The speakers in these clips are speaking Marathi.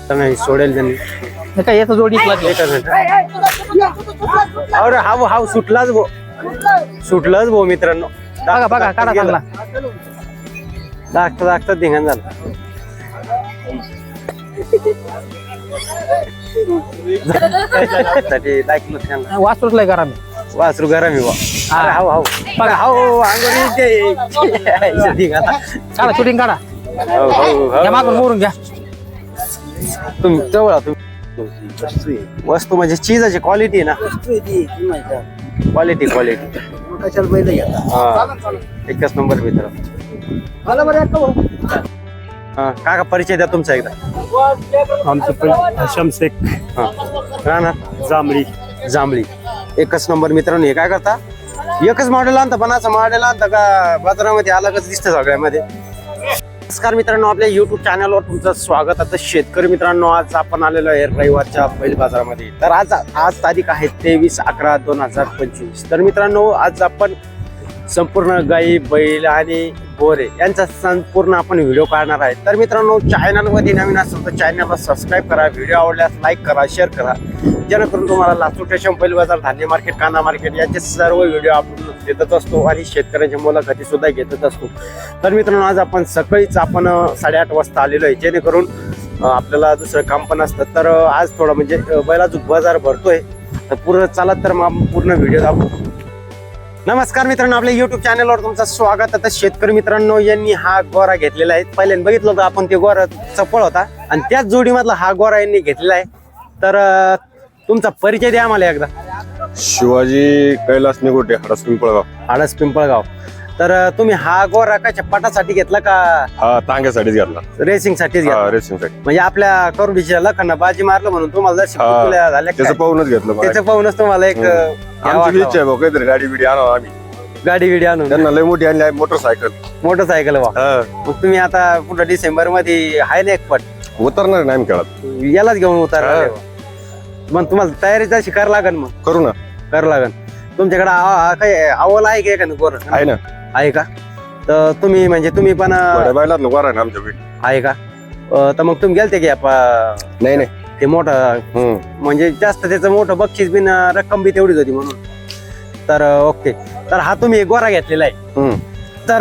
तर नाही सोडेल त्यांनी. हे काय येतं जोडी एकच मिनिट. अरे हाव हाव सुटलाच भो, सुटलाच भो मित्रांनो. बघा बघा काढा चांगला. दाखता धिंगाण झालं. वासरूच लय करा मी. वासरू गरम आहे बा. अरे हाव हाव बघा हाव अंगोरी काढा शूटिंग काढा. घ्या मागून मोरून घ्या. तुम्ही जवळ तुम्ही वस्तू म्हणजे चीजाची क्वालिटी ना, क्वालिटी क्वालिटी एकच नंबर मित्र. काका परिचय द्या तुमचा एकदा. आमचं हशम शेख राहणार जांभळी. जांभळी एकच नंबर मित्रांनो. हे काय करता एकच मॉडेल आणता पण असं मॉडेल आणता का बाजारामध्ये अलगच दिसतं सगळ्यामध्ये. नमस्कार मित्रांनो, आपल्या युट्यूब चॅनलवर तुमचं स्वागत. आता शेतकरी मित्रांनो, आज आपण आलेलो आहे रविवारच्या बैल बाजारामध्ये. तर आज तारीख आहे 23/11/2025. तर मित्रांनो, आज आपण संपूर्ण गाई बैल आणि बोरे यांचा संपूर्ण आपण व्हिडिओ काढणार आहे. तर मित्रांनो, चॅनलमध्ये नवीन असेल तर चॅनलला सबस्क्राईब करा, व्हिडिओ आवडल्यास लाईक करा, शेअर करा, जेणेकरून तुम्हाला लातूर स्टेशन बैल बाजार, धान्य मार्केट, कांदा मार्केट याचे सर्व व्हिडिओ आपण देतच असतो आणि शेतकऱ्यांच्या मुलाखती सुद्धा घेतच असतो. तर मित्रांनो, आज आपण सकाळीच 8:30 वाजता आलेलो आहे, जेणेकरून आपल्याला दुसरं काम पण असतं. तर आज थोडं म्हणजे बैलाचा बाजार भरतोय, तर पूर्ण चालत तर मग पूर्ण व्हिडिओ दाखवू. नमस्कार मित्रांनो, आपल्या युट्यूब चॅनलवर तुमचं स्वागत. आता शेतकरी मित्रांनो, यांनी हा गोरा घेतलेला आहे. पहिल्यांदा बघितलं होतं आपण, ते गोरा चपळ होता आणि त्याच जोडीमधला हा गोरा यांनी घेतलेला आहे. तर तुमचा परिचय द्या आम्हाला एकदा. शिवाजी कैलास निगोटे, हडस पिंपळगाव. हडस पिंपळगाव. तर तुम्ही हा गोरा कशा पटासाठी घेतला का? हा तांग्यासाठीच घेतला, रेसिंग साठीच घेतला. रेसिंग साठी. म्हणजे आपल्या करुडीच्या लखांना बाजी मारलं म्हणून तुम्हाला झाल्या त्याचं पाहूनच घेतलं. त्याचं पाहूनच तुम्हाला एक आमची इच्छा आहे भाऊ, काहीतरी गाडी बिडी आणावं आम्ही. गाडी बिडी आणून त्यांना लय मोठी आणली आहे मोटरसायकल. मोटरसायकल वा. मग तुम्ही आता पुढे डिसेंबर मध्ये आहे ना एक पट उतरणार नाही आम्ही खेळात, यालाच घेऊन उतरणार. मग तुम्हाला तयारी तशी करावं लागेल. मग करू ना, करावं लागेल. तुमच्याकडे काही अवल आहे का एखादं गोर? आहे ना. आहे का? तर तुम्ही म्हणजे तुम्ही पण बैलात गोरा आहे ना आमच्या बीड. आहे का? तर मग तुम्ही गेलते की नाही नाही ते मोठं म्हणजे जास्त त्याचं मोठं बक्षीस बिन रक्कम बी तेवढीच होती म्हणून. तर ओके. तर हा तुम्ही गोरा घेतलेला आहे. तर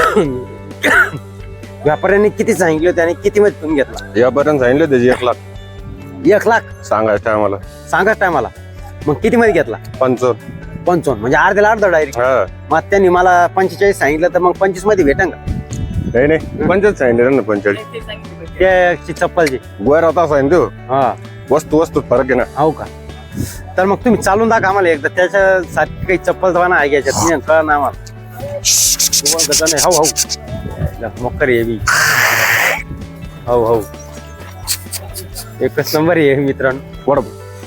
व्यापाऱ्यांनी किती सांगितले होते आणि किती मध्ये तुम्ही घेतला? यापर्यंत सांगितलं त्याची 1 लाख. 1 लाख सांगायचं आम्हाला. सांगाच टायमाला. मग किती मध्ये घेतला? 55 म्हणजे अर्ध्याला अर्धा डायरेक्ट. मग त्यांनी मला 45 सांगितलं, तर मग 25 मध्ये भेटा का? नाही नाही 45 सांगितलं ना. 45 त्याची चप्पलची गोरा होता सांगितलं. हा वस्तू फरक आहे ना. हो का? तर मग तुम्ही चालून दाखवा आम्हाला एकदा. त्याच्यासाठी काही चप्पल दवाना आहे घ्यायच्यात कळा ना आम्हाला. हो हो मोकर ये बी. हो हो एकच नंबर आहे मित्रांनो. वड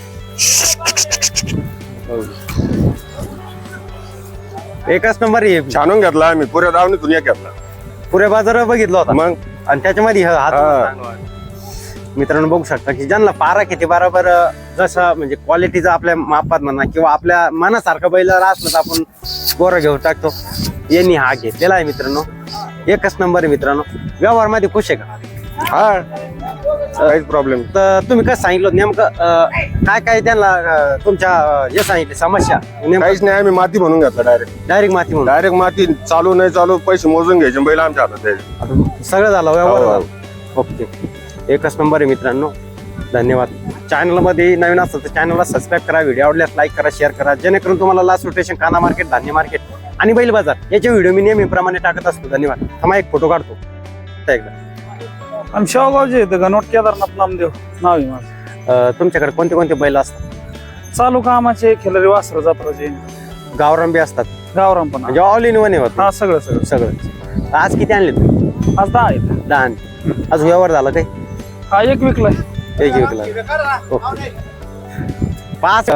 एकच नंबर आहे. छानून घेतला आम्ही, पुऱ्या दावणीतून एक घेतला. पुऱ्या बाजार बघितला होता मग, आणि त्याच्यामध्ये मित्रांनो बघू शकता की ज्यांना पारा किती बरोबर जसं म्हणजे क्वालिटीचा आपल्या मापात म्हणा किंवा आपल्या मनासारखं बैलाला असलं तर आपण गोरा घेऊन टाकतो. यांनी हा घेतलेला आहे मित्रांनो. एकच नंबर आहे मित्रांनो. व्यवहार मध्ये खुश आहे का? हा काहीच प्रॉब्लेम. तर तुम्ही कसं सांगितलं नेमकं काय काय त्यांना तुमच्या हे सांगितले समस्या? काहीच नाही, आम्ही माती म्हणून घेतला डायरेक्ट माती म्हणून. डायरेक्ट माती. चालू नाही चालू पैसे मोजून घ्यायचे, बैल आमच्या हातात द्यायचे. सगळं झालं व्यवहार झाला. ओके एकच नंबर आहे मित्रांनो. धन्यवाद. चॅनलमध्ये नवीन असेल तर चॅनलला सबस्क्राईब करा, व्हिडिओ आवडल्यास लाईक करा, शेअर करा, जेणेकरून तुम्हाला लास्ट रोटेशन, कांदा मार्केट, धान्य मार्केट आणि बैल बाजार याचे व्हिडिओ मी नेहमीप्रमाणे टाकत असतो. धन्यवाद. थांबा एक फोटो काढतो एकदा. आम्ही शेवगावचे येते गणवट केदारनाथ नामदेव नाव आहे माझं. तुमच्याकडे कोणते कोणते बैल असतात? चालू कामाचे, खिलारी, वासर, जत्राचे, गावरान बी असतात? गावराम पण. म्हणजे ऑल इन वन होत. हा सगळं सगळं सगळं. आज किती आणले तुम्ही? आज 10 आहेत. 10 आज व्यवहार झाला काही? हा एक विकलाय. एक विकला. ओके 5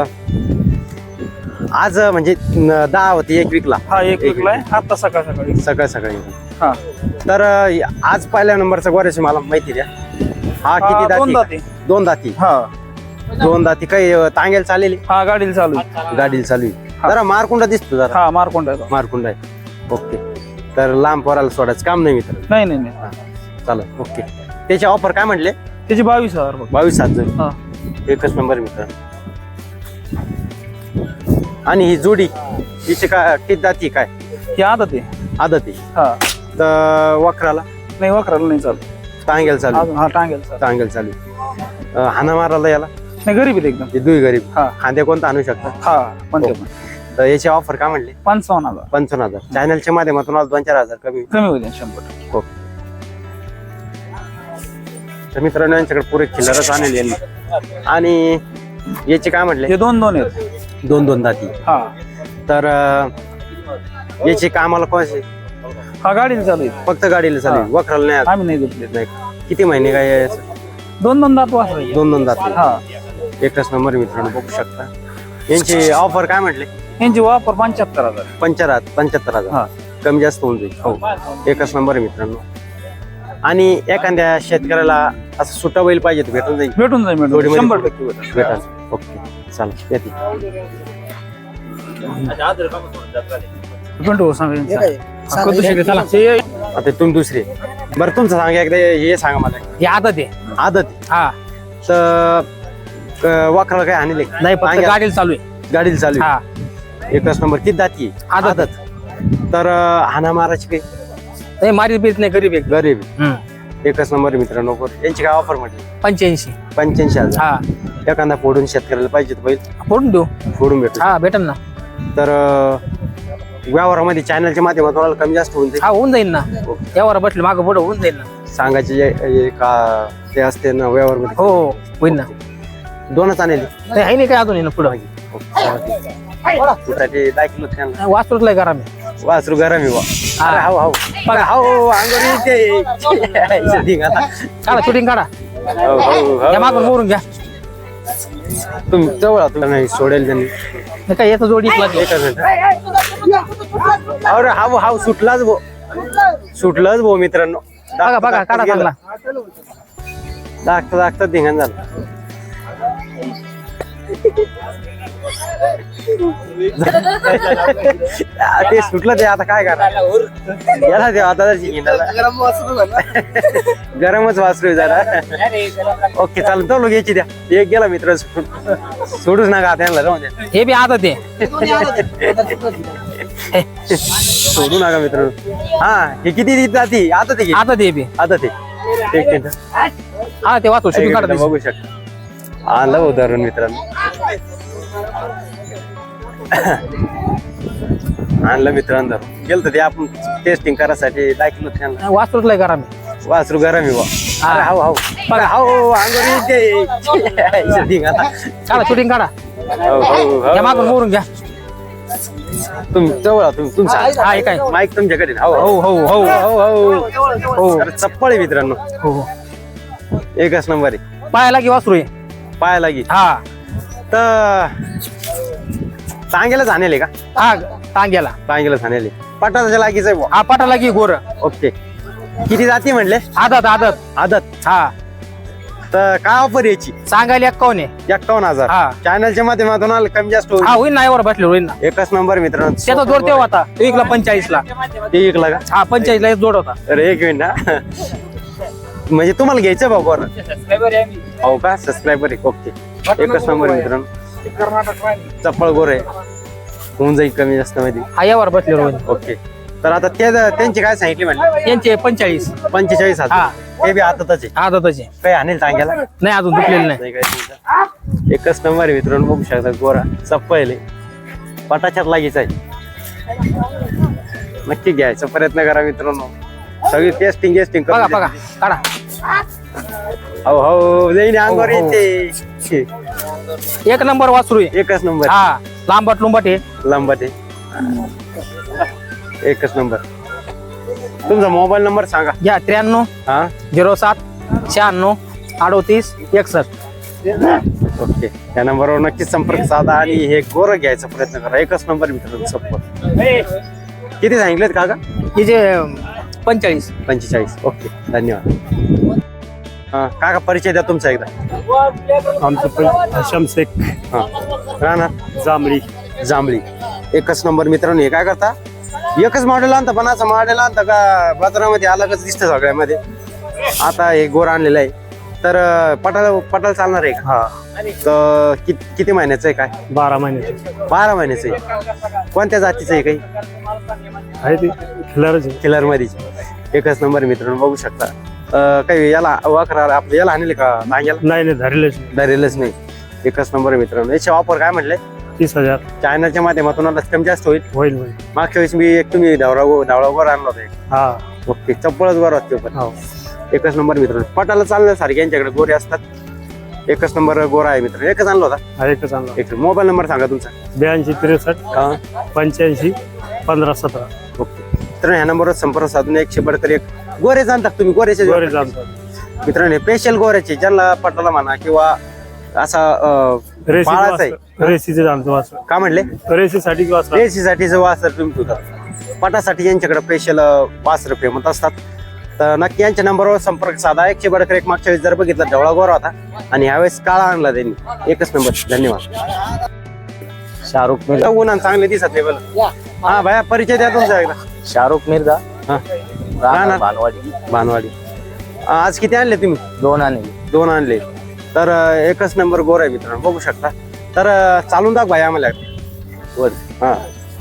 आज म्हणजे 10 होती, एक विकला. हा एक विकलाय आता सकाळी. सकाळी. हा तर आज पहिल्या नंबरचा गोऱ्याची मला माहिती द्या. हा किती दाती? 2 दाती. हा 2 दाती. काही तांगेल चालेल? हा गाडीला चालू. गाडीला चालू आहे. जरा मारकुंडा दिसतो जरा. हा मारकोंडा आहे. ओके. तर लांब पोराला सोडायचं काम नाही मित्र. नाही. चालेल. ओके. त्याची ऑफर काय म्हटले? त्याची 22,000 बघ. 22,000. हा एकच नंबर मित्र. आणि ही जोडी हिची काय किती जाती काय ही आदत आहे. आदत आहे. हा तर वखराला नाही वखराला नाही चालू. टांगेल चालू. अजून हा टांगेल चालू. टांगेल चालू. हाना मारायला याला नाही गरीब आहे एकदम. हे दुई गरीब. हा खांदे कोणता आणू शकता. हा 55 तर याची ऑफर काय म्हणले 55,000 55,000. चॅनलच्या माध्यमातून आज 2-4 कमी. कमी होईल 100%. तर मित्रांनो यांच्याकडे पुरे खिल्लरच आणले यांनी. आणि याचे काय म्हटले हे 2-2 आहेत. 2-2 दाती. हा तर याचे कामाला कोणते हा गाडीला चालू आहे. फक्त गाडीला चालू वखराला नाही आम्ही नाही घेतले. नाही. किती महिने काय 2-2 दात वासरायचे. 2-2 दात. हा एकच नंबर मित्रांनो बघू शकता. यांची ऑफर काय म्हटले यांची वापर 75,000. 75,000. हा कमी जास्त होऊन जाईल. हो एकच नंबर मित्रांनो. आणि एखाद्या शेतकऱ्याला असं सुट्टा बैल पाहिजे तर भेटून जाईल. भेटून जाईल भेटून जोडीमध्ये 100% भेटेल. भेटाल. ओके चालेल येते. पिंटू सांगा यांचा. हा, कधी शिकेल? चला. आता तुम्ही दुसरे. बरं तुमचं सांगा एकदा हे सांगा मला. ही आदत आहे. आदत हा तर वखराला काय आणले नाही फक्त गाडीला चालू आहे. गाडीला चालू हा आहे. एकच नंबर किती दाती आहे? आदत. तर हाना माराची काही नाही मारी बीत नाही गरीब आहे. गरीब. हम्म. एकच नंबर मित्रांनो. यांची काय ऑफर म्हटली 85. 85,000. हा एखादा फोडून शेतकऱ्याला पाहिजे तर बैल फोडून देऊ. फोडून भेटू. हा भेटन ना. तर व्यवहारामध्ये चॅनलच्या माध्यमातून कमी जास्त होऊन जाईल. हा होऊन जाईल ना. यावर बसले मागं पुढं होऊन जाईल ना. सांगायचे जे का ते असते ना व्यवहारमध्ये. हो हो होईल ना. दोनच आणले नाही आहे नाही काय अजून आहे ना पुढं. तुझ्यासाठी 10 किलो छान वासरूच लय करा मी. वासरू गरम आहे बा. हा. अरे हाव हाव बघा. हाव अंगोरी ते काढा शूटिंग काढा. या मागून मोरून घ्या. तुम्ही जवळ तुला नाही सोडेल त्यांनी. नाही काय येतं जोडी लागली. एकच मिनिट. अरे हाव हाव सुटलाच भो. सुटलंच भो मित्रांनो. बघा बघा काढा चांगला. दाखता दाखता धिंगाण झालं. ते सुटलं ते आता काय करा याला ते आता गरमच वासरू जरा. ओके चालेल तो लोक याची द्या. एक गेला मित्र सोडूच नका त्यांना जाऊन द्या. हे बी आदत आहे. सोडू नका मित्र. हा हे किती जाती आता ते आदत आहे बी. आता ते एक मिनिट. हा ते वाचू शूटिंग काढा. बघू शकता. आलं उदाहरण मित्रांनो. आणलं मित्रांनो. गेलं तर ते आपण टेस्टिंग करायसाठी 10 किलो त्यांना. वासरूच लय करा मी. वासरू गरम आहे बा. अरे हाव हाव बघा. हाव अंगोरी ते धिंगाणा. काढा शूटिंग काढा. हो हो या मागून मोरून घ्या. तुम्ही जवळ तुम्ही तुमचा हा हे काय माईक तुमच्याकडे. हो हो हो हो हो हो. अरे चप्पळ आहे मित्रांनो. हो हो. एकच नंबर आहे. पायाला की वासरू आहे. पायाला लागी. हा तर टांगेला झालेले का हा टांग्याला. टांगेला झालेले पटाच्या लागीच आहे बुवा. हा पाटाला की गोर. ओके किती जाती म्हणले आदत आदत. आदत. हा तर काय ऑफर याची सांगायला 51 आहे. 51,000. हा. चॅनलच्या माध्यमातून आलं कमी जास्त होईल. हा होईल ना यावर बसले होईल ना. एकच नंबर मित्रांनो. त्याचा जोड तेव्हा होता तो एकला 45 ला. ते एक लागा. हा 45 ला एक जोड होता. अरे एक मिनिट हा. म्हणजे तुम्हाला घ्यायचं बाबा. हो का सबस्क्रायबर आहे. ओके एकच नंबर मित्रांनो. चप्पळ गोर आहे. होऊन जाईल कमी जास्त मध्ये. हा यावर बसले होईल. ओके तर आता ते त्यांची काय सांगितली म्हणले यांचे 45. 45,000. हा. ते बी आताच आहे. आदतचे काही आणेल सांगायला नाही अजून दुखलेलं नाही. नाही काय तुमचं. एकच नंबर आहे मित्रांनो. बघू शकता गोरा चप्पल पटाच्यात लागीच आहे. नक्की घ्यायचा प्रयत्न करा मित्रांनो. सगळी टेस्टिंग बघा बघा काढा. हो हो जाईन अंगावर हो, हो. येते. एक नंबर वासरू आहे. एकच नंबर. हा लांबट लुंबट आहे. लांबट आहे. एकच नंबर. तुमचा मोबाईल नंबर सांगा. घ्या 93 हा 07 96 38 61. ओके त्या नंबरवर नक्कीच संपर्क साधा आणि हे गोरं घ्यायचा प्रयत्न करा. एकच नंबर मित्रांनो. सप्पर किती सांगितलेत काका हिचे 45. 45. ओके धन्यवाद. हा काका परिचय द्या तुमचा एकदा. आमचं हशाम शेख हा राहणार जांभळी. जांभळी. एकच नंबर मित्रांनो. हे काय करता एकच मॉडेल आणता पण असं मॉडेल आणता का बाजारामध्ये अलगच दिसतं सगळ्यामध्ये. आता हे गोर आणलेलं आहे तर पटाला चालणार आहे का? हा तर किती महिन्याचं आहे काय? 12 महिन्याचे 12 महिन्याचं आहे. कोणत्या जातीचं आहे काही? आहे ते खिलारच आहे. किलर मध्येच एकच नंबर मित्रांनो बघू शकता. काही याला वाकरा आपलं याला आणले का नांग्याला? नाही धरलेच नाही. धरेलच नाही. एकच नंबर मित्रांनो. याचे ऑफर काय म्हटले? 30,000 चायनाच्या माध्यमातून आला कमी जास्त होईल. होईल. मागच्या वेळेस मी एक तुम्ही धावळा गोर आणला होता एक. हा ओके चप्पलच गोर असते पण. हो एकच नंबर मित्रांनो. पटाला चालण्यासारखे यांच्याकडे गोरे असतात. एकच नंबर गोरा आहे मित्रांनो. एकच आणला होता. हा एकच आणला. एक मोबाईल नंबर सांगा तुमचा. 82 63 85 15 17. ओके मित्रांनो ह्या नंबरवर संपर्क साधून 100 बडकर एक गोरे जाणतात तुम्ही गोरेचे गोरे जाणतात. मित्रांनो स्पेशल गोऱ्याचे ज्यांना पटाला म्हणा किंवा असा पाळाचा आहे. रेसीचे जाणतो वासर. का म्हणले? रेसीसाठी वासर. रेसीसाठी जो वासर तुम्ही ठेवतात. पटासाठी यांच्याकडे स्पेशल वासर फेमत असतात. तर नक्की यांच्या नंबरवर संपर्क साधा. 100 बडकर एक मागच्या वेळेस जर बघितला ढवळा गोरा होता आणि ह्यावेळेस काळा आणला त्यांनी. एकच नंबर. धन्यवाद. शाहरुख मिर्झा. उन्हा चांगले दिसत नाही बोला. हा भैया परिचय द्या तुमचा एकदा. शाहरुख मिर्झा हा राहणार भानवाडी. भानवाडी. आज किती आणले तुम्ही? 2 आणले. 2 आणले. तर एकच नंबर गोर आहे मित्रांनो बघू शकता. तर चालून दाख भाई आम्हाला वर. हा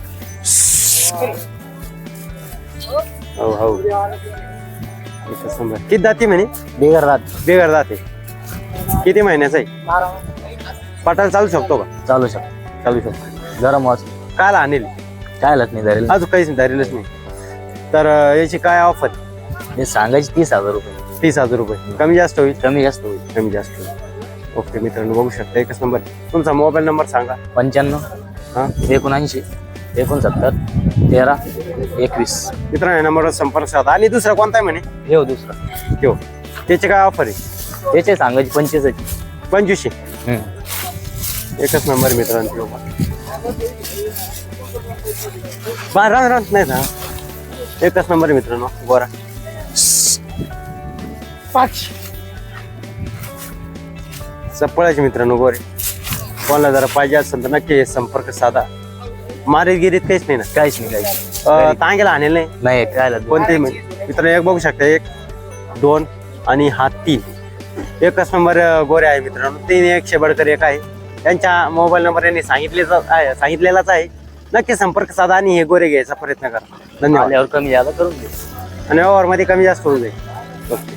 हो हो एकच नंबर. किती दाती म्हणे? बेगर रात. बेगर दाते. किती महिन्याचा आहे? पटाला चालू शकतो का? चालू शकतो. चालू शकतो. गरम वास काल आणेल काय लत नाही धरेल. अजून काहीच धरेलच नाही. तर याची काय ऑफर? हे सांगायचे 30,000 रुपये. 30,000 रुपये. कमी जास्त होईल? कमी जास्त होईल. कमी जास्त होईल. ओके मित्रांनो बघू शकता. एकच नंबर. तुमचा मोबाईल नंबर सांगा. 95 हा 79 69 13 21. मित्रांनो या नंबरवर संपर्क साधा. आणि दुसरा कोणता आहे म्हणे? हे दुसरा ठेव. त्याचे काय ऑफर आहे? त्याचे सांगायचे 25. 2500. एकच नंबर मित्रांनो. ठेव राहत नाही ना. एकच नंबर मित्रांनो गोरा. 5 चप्पळाचे मित्रांनो गोरे. कोणाला जरा पाहिजे असेल तर नक्की संपर्क साधा. मारीत गिरीत काहीच नाही ना? काहीच नाही काहीच तांगेला आणेल नाही नाही काय लत. कोणतेही मित्रांनो. एक बघू शकता 1 2 आणि हा 3. एकच नंबर गोरे आहे मित्रांनो. 3 100 बडकर एक आहे. त्यांच्या मोबाईल नंबर यांनी सांगितलेलाच आहे. नक्की संपर्क साधा आणि हे गोरे घ्यायचा प्रयत्न करा. धन्यवाद. आल्यावर कमी जादा करून दे. आणि व्यवहार मध्ये कमी जास्त होऊन जाईल. ओके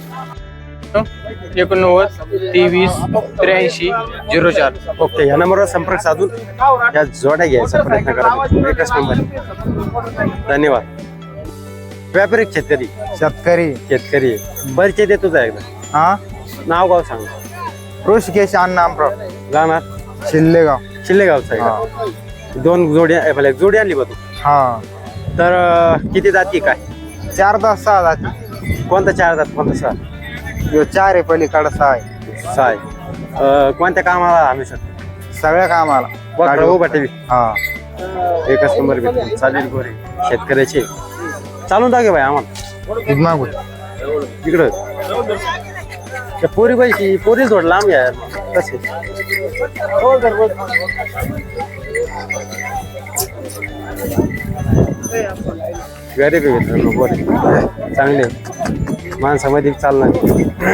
89 23 83 04. ओके या नंबरवर संपर्क साधून या जोड्या घ्यायचा प्रयत्न करा. एकच नंबर. धन्यवाद. व्यापारी शेतकरी? शेतकरी परिचय दे तुझा एकदा. हा नाव गाव सांग. ऋषिकेश अण्णामराव राहणार शिल्लेगाव. शिल्लेगावचा आहे का? 2 जोडी एक जोडी आणली बघ तू. हा तर किती जाती काय? 4 10 6 जाती. कोणता 4 जात कोणता 6? यो 4 आहे पलीकडे 6 आहे. 6 आहे. कोणत्या कामाला आणू शकतो? सगळ्या कामाला बघा उभा टीव्ही. हा एकच नंबर भेटतो. चालेल गोरे शेतकऱ्याचे. चालून दागे भाई आम्हाला मागून इकडं. त्या पोरी पैकी पोरी थोडं लांब घ्या कसे. गरीब आहे मित्रांनो गोरे चांगले माणसामध्ये चालणार.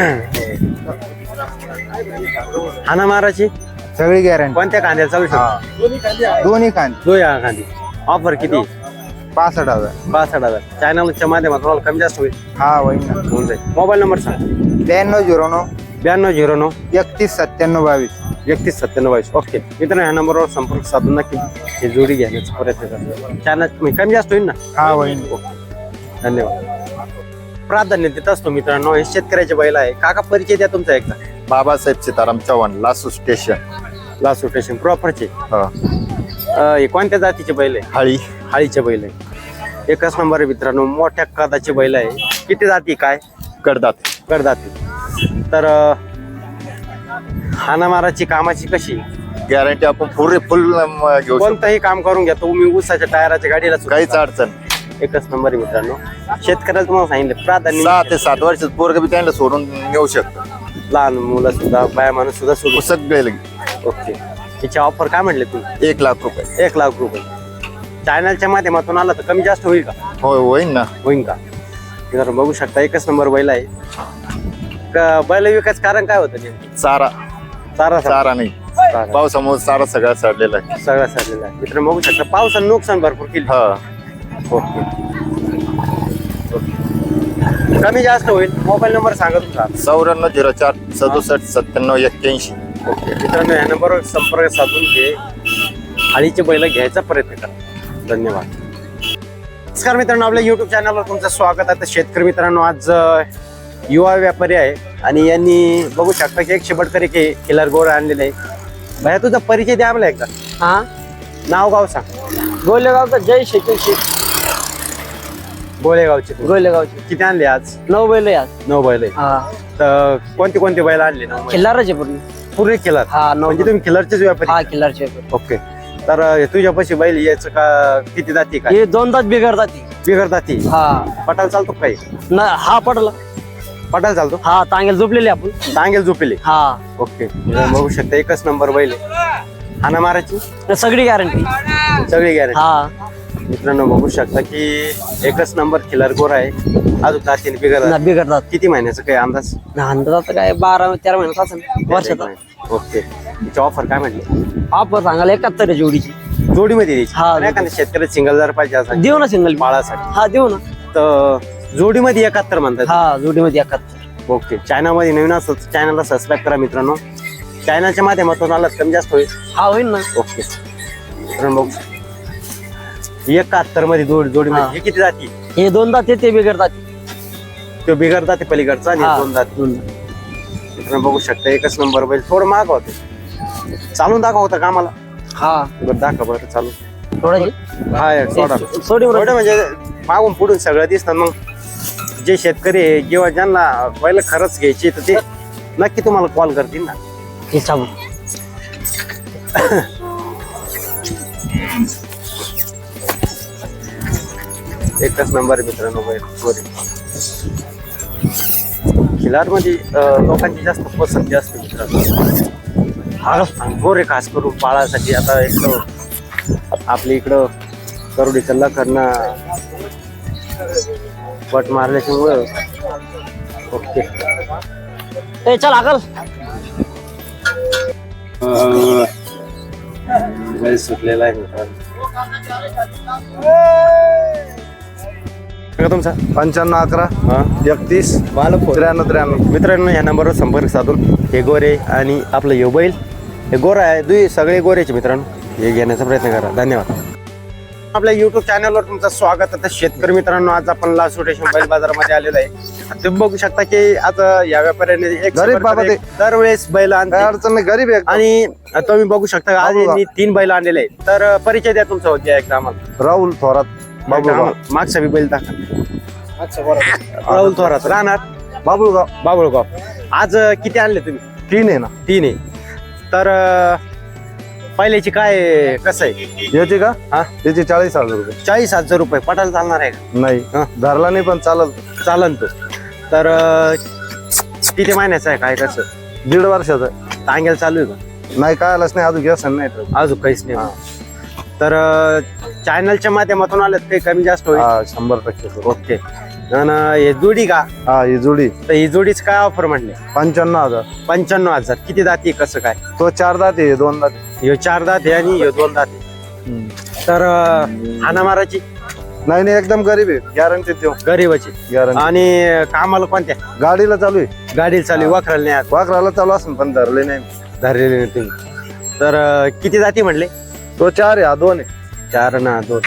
हाना माराची सगळी गॅरंटी. कोणत्या कांद्याला चालू शकतो? दोन्ही कांदे. दोन कांदी. ऑफर किती? 65,000. 65,000. चॅनलच्या माध्यमातून कमी जास्त होईल. हा होईल ना. होऊन जाईल. मोबाईल नंबर सांग. 9209 9209 319722. 319722. ओके मित्रांनो ह्या नंबरवर संपर्क साधून नक्की हे जोडी घेण्याचा प्रयत्न करा. चॅनल कमी जास्त होईल ना? हा होईल. धन्यवाद. प्राधान्य देत असतो मित्रांनो. हे शेतकऱ्याचे बैल आहे. काका परिचय द्या तुमचा एकदा. बाबासाहेब सीताराम चव्हाण लासू स्टेशन. लासू स्टेशन प्रॉपरचे. हा. हे कोणत्या जातीचे बैल आहे? हाळी. हाळीचे बैल आहे. एकच नंबर आहे मित्रांनो. मोठ्या कदाचे बैल आहे. किती जाती काय? कडदात. करदाती. तर हाणामाराची कामाची कशी? गॅरंटी आपण फुल घेऊ शकतो. कोणतंही काम करून घ्या तुम्ही. ऊसाच्या टायराच्या गाडीला सुद्धा. काहीच अडचण. एकच नंबर आहे मित्रांनो. शेतकऱ्याला तुम्हाला सांगितलं 6 प्राधान्य. ते 7 वर्षात पोरग बी त्यांना सोडून नेऊ शकतो. लहान मुलं सुद्धा बाया माणूस सुद्धा सोडू. सगळे ओके याची ऑफर काय म्हटले तुम्ही? 1 लाख रुपये. 1 लाख रुपये. चॅनलच्या माध्यमातून आला तर कमी जास्त होईल का? होय होईल ना. होईल का? जर बघू शकता एकच नंबर बैल आहे. बैल विकायचं कारण काय होतं नेमकं? चारा चारा चारा नाही चारा. पावसामुळे चारा सगळा सडलेला आहे. सगळा सडलेला आहे. मित्रांनो बघू शकता पावसानं नुकसान भरपूर केली. हा ओके. कमी जास्त होईल. मोबाईल नंबर सांगा तुमचा. 9404 67 97 81. ओके मित्रांनो या नंबरवर संपर्क साधून हे हाळीचे बैल घ्यायचा प्रयत्न करा. धन्यवाद. नमस्कार मित्रांनो, आपल्या युट्यूब चॅनलवर तुमचं स्वागत आहे. तर शेतकरी मित्रांनो आज युवा व्यापारी आहे आणि यांनी बघू शकता की 100 बडकरी किलर गोर आणलेले आहे. भैया तुझा परिचय द्या आम्हाला एकदा. हा नाव गाव सांग. गोलेगावचा जय शेती गोळेगावचे. गोलेगावची किती आणले आज? 9 बैल आहे आज. 9 बैल आहे. हा तर कोणते कोणते बैल आणले? 9 बैल. खिल्लारच आहे पूर्ण. पूर्ण किलर. हा 9 म्हणजे तुम्ही किलरचेच व्यापारी? हा खिल्लारचे. ओके. तर तुझ्यापाशी बैल यायचं का किती जाती काय? हे 2 दात बिघडतात ती. बिगर जाती. हा पटाल चालतो काही? हा पडला. पटाल चालतो. हा तांगेल झोपलेली आपण. टांगेल झोपेले. हा ओके. बघू शकता एकच नंबर बैल आहे. हाना मारायची सगळी गॅरंटी. सगळी गॅरंटी. हा मित्रांनो बघू शकता की एकच नंबर खिलर गोर आहे. अजून जातीने बिगर. बिघडतात. किती महिन्याचं काही अंदाज? अंदाज काय 12-13 महिन्यात असेल वर्षाचा. ओके. तिची ऑफर काय म्हटली? आपण सांगायला 71 आहे जोडीची. जोडीमध्ये द्यायची. हा, नाही का शेतकरी सिंगल जर पाहिजे असं देऊ ना सिंगल. बाळासाठी हा देऊ ना. तर जोडीमध्ये 71 म्हणतात. हा जोडीमध्ये 71. ओके. चॅनलमध्ये नवीन असेल तर चॅनलला सबस्क्राईब करा मित्रांनो. चॅनलच्या माध्यमातून आलात कमी जास्त होईल. हा होईल ना. ओके. मित्रांनो बघू 71 मध्ये जोडीमध्ये हा. हे किती जाती? हे 2 दात ते बिघडतात. तो बिगर जाते पलीकडचा आणि हा. 2 जाती. मित्रांनो बघू शकता एकच नंबर बैल. थोडं माग होते. चालून दाखव होता का आम्हाला? हा बरं दाखव बरं चालू. थोडाची हा सोडा. सोडी थोडं म्हणजे मागून पुढून सगळं दिसतं. मग जे शेतकरी आहे किंवा ज्यांना बैल खरंच घ्यायची तर ते नक्की तुम्हाला कॉल करतील ना. हे सांगू. एकच नंबर मित्रांनो बैल गोरे. खिलार मध्ये लोकांची जास्त पसंती असते मित्रांनो. गोरे खास करून पाळासाठी. आता एक आपल्या इकडं करोडी कल्ला करणं पट मारल्याच्यामुळं. ओके. ए चल अकल. बैल सुटलेला आहे मित्रांनो. तुमचा 95 हा 11 31 93 93. मित्रांनो या नंबरवर संपर्क साधून हे गोरे आणि आपलं हे बैल हे गोरा आहे. सगळे गोरेचे मित्रांनो हे घेण्याचा प्रयत्न करा. धन्यवाद. आपल्या युट्यूब चॅनलवर तुमचं स्वागत आहे. शेतकरी मित्रांनो आज आपण लासोटेशन बैल बाजारामध्ये आलेलो आहे. तुम्ही बघू शकता की आता या व्यापाऱ्याने गरीब बाबा ते. दरवेळेस बैल काय आणतात अडचण नाही, गरीब आहे. आणि तुम्ही बघू शकता आज बाबू यांनी 3 बैल आणलेले आहेत. तर परिचय द्या तुमचा होत्या एकदा आम्हाला. राहुल थोरात बाबुळगाव. मागचा बी बैल दाखवा. राहुल थोरात राहणार बाबुळगाव. बाबुळगाव. आज किती आणले तुम्ही? 3 आहे ना 3 आहे. तर पहिल्याची काय कसं आहे? याची का? हा त्याची 40,000 रुपये. 40,000 रुपये. पटायला चालणार आहे का? नाही हा. धरला नाही पण चालत. चालन तो. तर किती महिन्याचा आहे काय कसं? 1.5 वर्षाचा. टांगेल चालू आहे का? नाही काय आलंच नाही अजून व्यसन नाही. अजून काहीच नाही. तर चॅनलच्या माध्यमातून आलं काही कमी जास्त होईल. 100%. ओके. आणि हे जोडी का? हा ही जोडी तर ही जोडीच काय ऑफर म्हटले? 95,000. 95,000. किती दाती कसं काय? तो 4 दात आहे 2 दात. ह्यो 4 दात आहे आणि ह्यो 2 दात आहे. तर हाना माराची नाही नाही एकदम गरीब आहे. गॅरंटी देऊ. गरीबाची. गॅरंटी. आणि कामाला कोणत्या गाडीला चालू आहे. गाडीला चालू वाखराला नाही आज वाकराला चालू असेल पण धरले नाही. धरलेले नाही तुम्ही. तर किती जाती म्हटले? तो 4 आहे हा 2 आहे. 4 ना 2.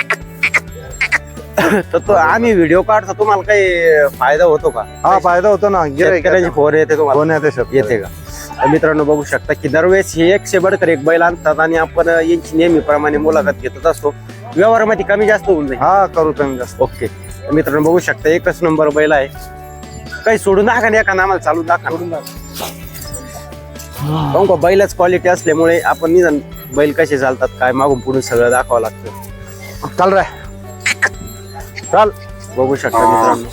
तर तो आम्ही व्हिडिओ काढतो तुम्हाला काही फायदा होतो का? हा फायदा होतो ना. शेतकऱ्याची फोन येते तुम्हाला? कोण येते शेतकरी? येते का? तर मित्रांनो बघू शकता की दरवेळेस हे 100 बडकर एक बैल आणतात आणि आपण यांची नेहमीप्रमाणे मुलाखत घेतच असतो. व्यवहारामध्ये कमी जास्त होऊन जाईल. हा करू कमी जास्त. ओके. तर मित्रांनो बघू शकता एकच नंबर बैल आहे. काही सोडून दाखा ना एका आम्हाला चालू दाखा. काहून का बैलाच क्वालिटी असल्यामुळे आपण निदान बैल कसे चालतात काय मागून पुढून सगळं दाखवावं लागतं. चाल रे चाल. बघू शकता मित्रांनो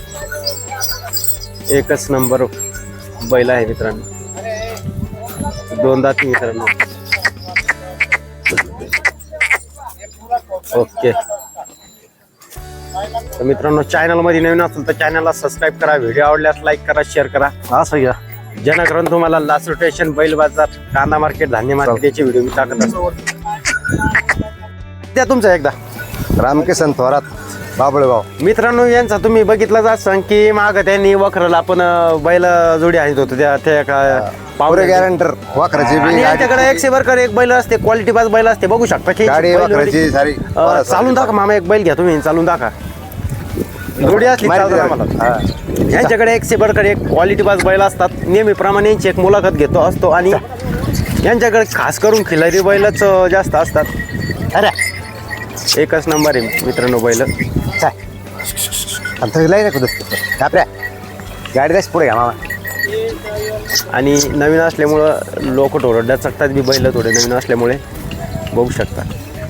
एकच नंबर बैल आहे मित्रांनो. 2 दाती मित्रांनो. ओके. तर मित्रांनो चॅनलमध्ये नवीन असेल तर चॅनलला सबस्क्राईब करा, व्हिडिओ आवडल्यास लाईक करा, शेअर करा, असं घ्या. जेणेकरून तुम्हाला लासूर स्टेशन, बैल बाजार, कांदा मार्केट, धान्य मार्केट याचे व्हिडिओ मी टाकत असतो. त्या तुमचा एकदा रामकिसन थोरात बाबळेगाव. मित्रांनो यांचा तुम्ही बघितलं असाल की माग त्यांनी वखरला आपण बैल जोडी आणत होतो त्या पावरे गॅरंटर वाखराची आणि बी यांच्याकडे 100 बरकर एक बैल असते, क्वालिटी बाज बैल असते, बघू शकता की गाडी बैल वाखराची जोडी. सारी चालून दाखवा मामा, एक बैल घ्या तुम्ही, चालून दाखवा. जोडी असली चालतं आम्हाला. यांच्याकडे 100 बरकर एक क्वालिटी बाज बैल असतात. नेहमीप्रमाणे यांची एक मुलाखत घेतो असतो आणि यांच्याकडे खास करून खिलारी बैलच जास्त असतात. अरे एकच नंबर आहे मित्रांनो बैल. गाडी जास्त पुढे घ्या मामा. आणि नवीन असल्यामुळं लोक थोडं चकतात बी बैल, थोडे नवीन असल्यामुळे बघू शकता.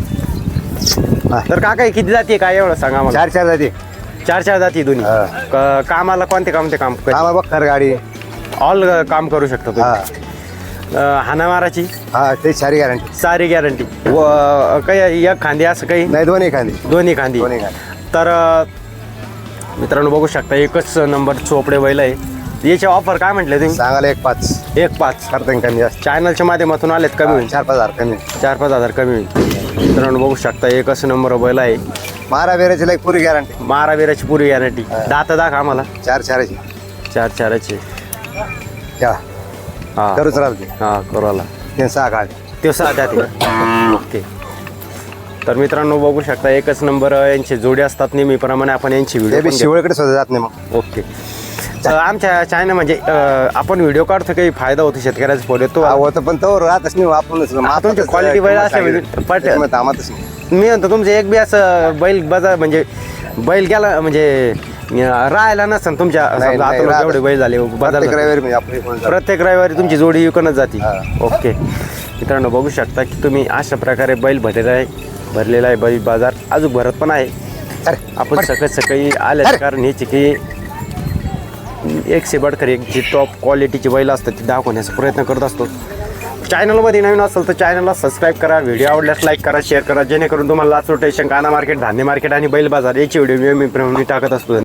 तर काका किती जाती काय एवढं सांगा मला. 4 जाते. 4 जाती दोन्ही. कामाला कोणते काम मामा बघणार गाडी. ऑल काम करू शकता तुम्ही. हाणामाराची हा ते सारी गॅरंटी. सारी गॅरंटी. व काही एक खांदी असं काही नाही दोन्ही खांदी. दोन्ही खांदी. तर मित्रांनो बघू शकता एकच नंबर चोपडे बैल आहे. याची ऑफर काय म्हटले तुम्ही. सांगायला 1.5 1.5 करता कमी जास्त. चॅनलच्या माध्यमातून आलेत कमी होईल. 4-5 हजार कमी. 4-5 हजार कमी होईल. मित्रांनो बघू शकता एकच नंबर बैल आहे. मारा बेराची लाईक पुरी गॅरंटी. मारावीराची पुरी गॅरंटी. दात दाख आम्हाला 4-4ची 4-4ची. ठेवा हा करूच राहते. हा करूला 6 काढ ते 6 जाते. ओके. तर मित्रांनो बघू शकता एकच नंबर यांची जोडी असतात. नेहमीप्रमाणे आपण यांची ते बी व्हिडिओ शिवळकडे सुद्धा जात नाही मग. ओके. आमच्या चॅनल म्हणजे आपण व्हिडिओ काढतो काही फायदा होतो शेतकऱ्याचा फोन येतो. होतं पण तो राहतच नाही आपणच. तुमची क्वालिटी बैल असते थांबतच नाही. मी म्हणतो तुमचं एक बी असं बैल बाजार म्हणजे बैल गेला म्हणजे राहायला नसतं तुमच्या नाही, समजा नाही, आता राहत. जेवढे बैल झाले बाजार प्रत्येक रविवारी म्हणजे आपली कोण जात. प्रत्येक रविवारी तुमची जोडी विकूनच जाते. ओके. मित्रांनो बघू शकता की तुम्ही अशा प्रकारे बैल भरलेला आहे बैल बाजार अजून भरत पण आहे. आपण सकाळी आले कारण ह्याची की 100 बडकर एक जी टॉप क्वालिटीची बैल असतात ती दाखवण्याचा प्रयत्न करत असतो. चॅनलमध्ये नवीन असेल तर चॅनलला सबस्क्राईब करा, व्हिडिओ आवडल्यास लाईक करा, शेअर करा, जेणेकरून तुम्हाला लासूर स्टेशन, कांदा मार्केट, धान्य मार्केट आणि बैल बाजार याची व्हिडिओ मी टाकत असतो.